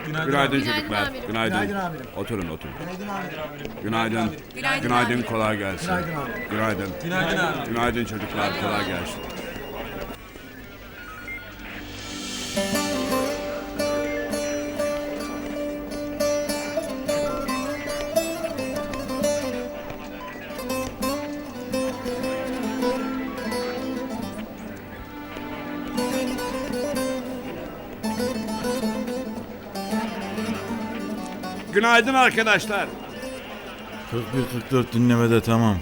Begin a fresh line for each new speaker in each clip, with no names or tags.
Günaydın çocuklar.
amirim.
Günaydın.
Günaydın amirim.
Oturun oturun.
Günaydın amirim.
Günaydın.
Günaydın amirim.
Kolay gelsin.
Günaydın amirim.
Günaydın.
Günaydın abi.
Günaydın çocuklar. Kolay gelsin. Günaydın arkadaşlar.
41-44 dinlemede tamam.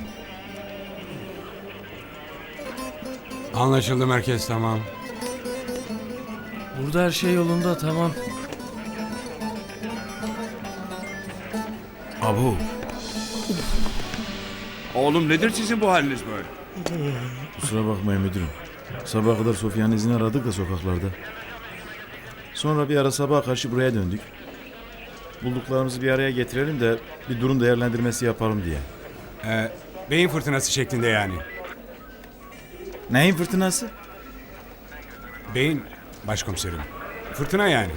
Anlaşıldı merkez, tamam.
Burada her şey yolunda, tamam.
Abu.
Oğlum nedir sizin bu haliniz böyle?
Kusura bakmayın müdürüm. Sabaha kadar Sofya'nın izini aradık da sokaklarda. Sonra bir ara sabaha karşı buraya döndük. Bulduklarımızı bir araya getirelim de bir durum değerlendirmesi yapalım diye.
Beyin fırtınası şeklinde yani.
Neyin fırtınası?
Beyin başkomiserim. Fırtına yani.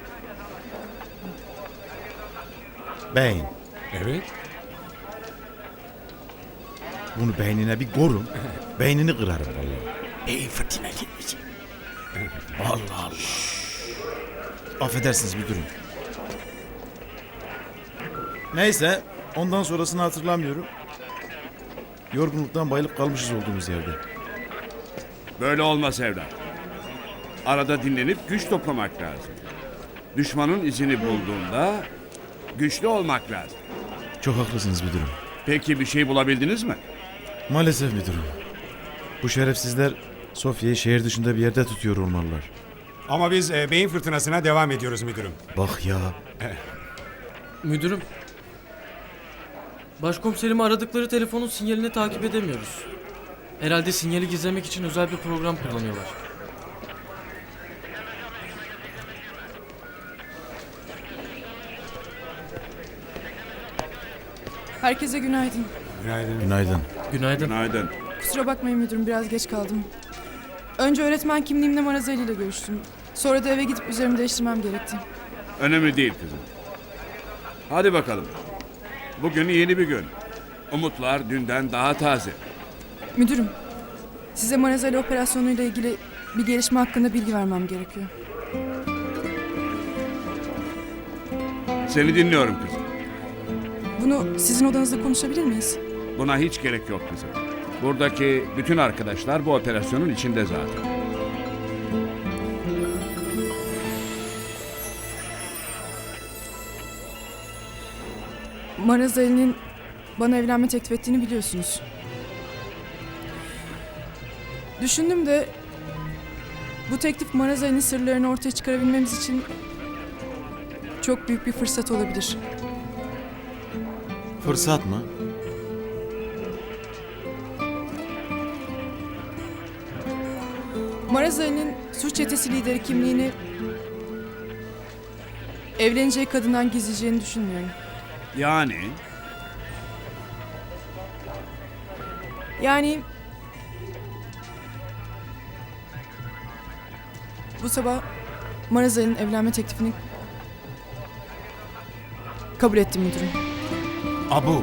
Beyin.
Evet.
Bunu beynine bir korun. Beynini kırarım vallahi. Beyin fırtına gelmiş. Allah Allah. Affedersiniz müdürüm. Neyse, ondan sonrasını hatırlamıyorum. Yorgunluktan bayılıp kalmışız olduğumuz yerde.
Böyle olmaz evlat. Arada dinlenip güç toplamak lazım. Düşmanın izini bulduğunda güçlü olmak lazım.
Çok haklısınız müdürüm.
Peki bir şey bulabildiniz mi?
Maalesef müdürüm. Bu şerefsizler Sofya'yı şehir dışında bir yerde tutuyor olmalılar.
Ama biz beyin fırtınasına devam ediyoruz müdürüm.
Bak ya.
Müdürüm. Başkomiserimi aradıkları telefonun sinyalini takip edemiyoruz. Herhalde sinyali gizlemek için özel bir program kullanıyorlar.
Herkese günaydın.
Günaydın.
Günaydın.
Günaydın.
Günaydın.
Kusura bakmayın müdürüm, biraz geç kaldım. Önce öğretmen kimliğimle Marazeli ile görüştüm. Sonra da eve gidip üzerimi değiştirmem gerekti.
Önemli değil kızım. Hadi bakalım. Bugün yeni bir gün. Umutlar dünden daha taze.
Müdürüm, size Marazeli operasyonuyla ilgili bir gelişme hakkında bilgi vermem gerekiyor.
Seni dinliyorum kızım.
Bunu sizin odanızda konuşabilir miyiz?
Buna hiç gerek yok kızım. Buradaki bütün arkadaşlar bu operasyonun içinde zaten.
Marazeli'nin bana evlenme teklif ettiğini biliyorsunuz. Düşündüm de bu teklif Marazeli'nin sırlarını ortaya çıkarabilmemiz için çok büyük bir fırsat olabilir.
Fırsat mı?
Marazeli'nin suç çetesi lideri kimliğini evleneceği kadından gizleyeceğini düşünmüyorum. Yani bu sabah Marazeli'nin evlenme teklifini kabul ettim müdürüm.
Abu.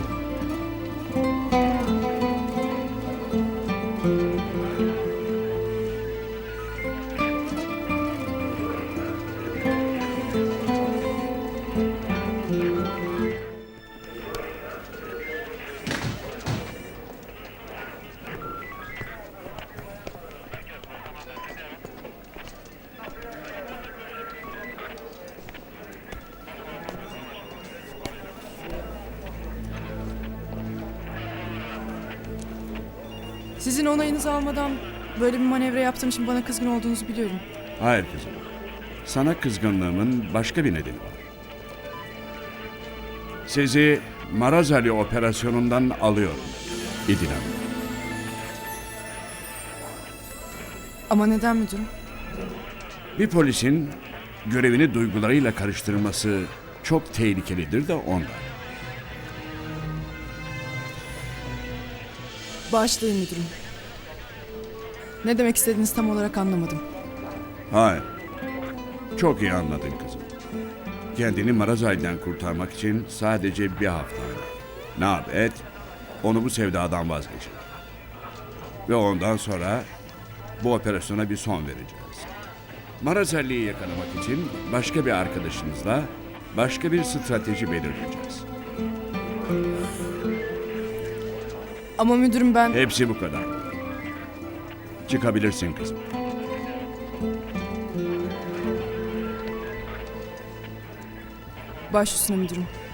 Sizin onayınızı almadan böyle bir manevra yaptığım için bana kızgın olduğunuzu biliyorum.
Hayır kızım. Sana kızgınlığımın başka bir nedeni var. Sizi Marazali operasyonundan alıyorum İdil Hanım.
Ama neden müdürüm?
Bir polisin görevini duygularıyla karıştırması çok tehlikelidir de ondan.
Bağışlayın müdürüm. Ne demek istediğinizi tam olarak anlamadım.
Hayır. Çok iyi anladın kızım. kendini Marazay'dan kurtarmak için sadece bir hafta. Ne yap et, onu bu sevdadan vazgeçir. Ve ondan sonra bu operasyona bir son vereceğiz. Marazali'yi yakalamak için başka bir arkadaşımızla başka bir strateji belirleyeceğiz.
Ama müdürüm ben...
Hepsi bu kadar. Çıkabilirsin kızım.
Baş üstüne müdürüm.